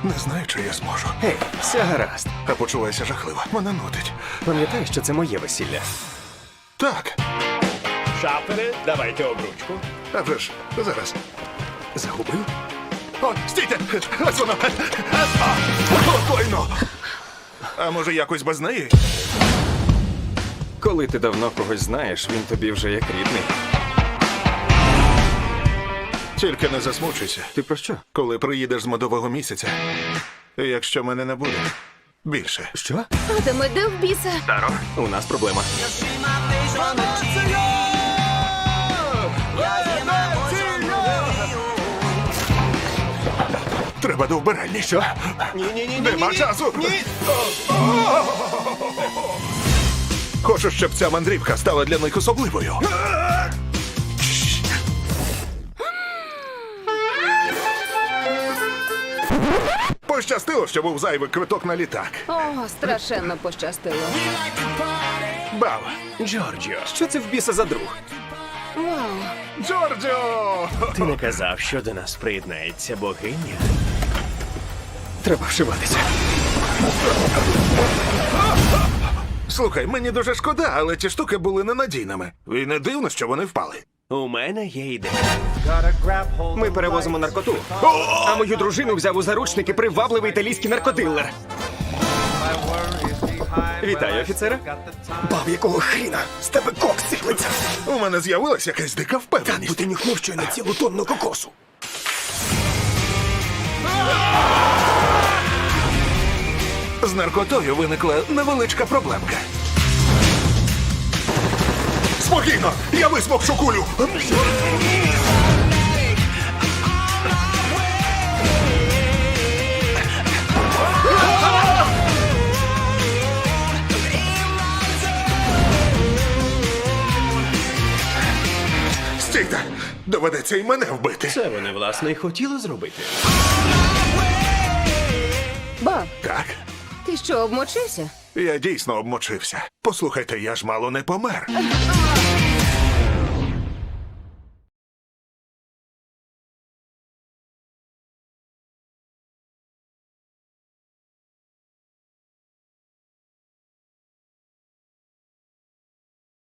Не знаю, чи я зможу. Гей, все гаразд. А почуваюся жахливо. Мене нудить. Пам'ятаєш, що це моє весілля? Так. Шафери, давайте обручку. А вже ж, зараз. Загубив? О, стійте! Ось воно! Спокійно! А може якось без неї? Коли ти давно когось знаєш, він тобі вже як рідний. Тільки не засмучуйся, Ти про що? коли приїдеш з медового місяця. Якщо мене не буде. Більше. Що? Адаме, де в біса? Таро, у нас проблема. Треба до вбиральні. Що? Ні. Нема часу! Ні! Хочу, щоб ця мандрівка стала для них особливою. Пощастило, що був зайвий квиток на літак. О, страшенно пощастило. Бав! Джорджіо, що це в біса за друг? Вау. Джорджо! Ти не казав, що до нас приєднається богиня? Треба вшиватися. Слухай, мені дуже шкода, але ті штуки були ненадійними. І не дивно, що вони впали. У мене є ідея. Ми перевозимо наркоту. А мою дружину взяв у заручники привабливий італійський наркодилер. Вітаю, офіцере. Баб, якого хріна? З тебе кокс сиплеться. У мене з'явилася якась дика впевненість. ти нюхнув щойно цілу тонну кокосу. З наркотою виникла невеличка проблемка. Спокійно! Я висмокшу кулю! Стійте! Доведеться і мене вбити. Це вони, власне, і хотіли зробити. Баб, Так, ти що, обмочився? я дійсно обмочився. Послухайте, я ж мало не помер.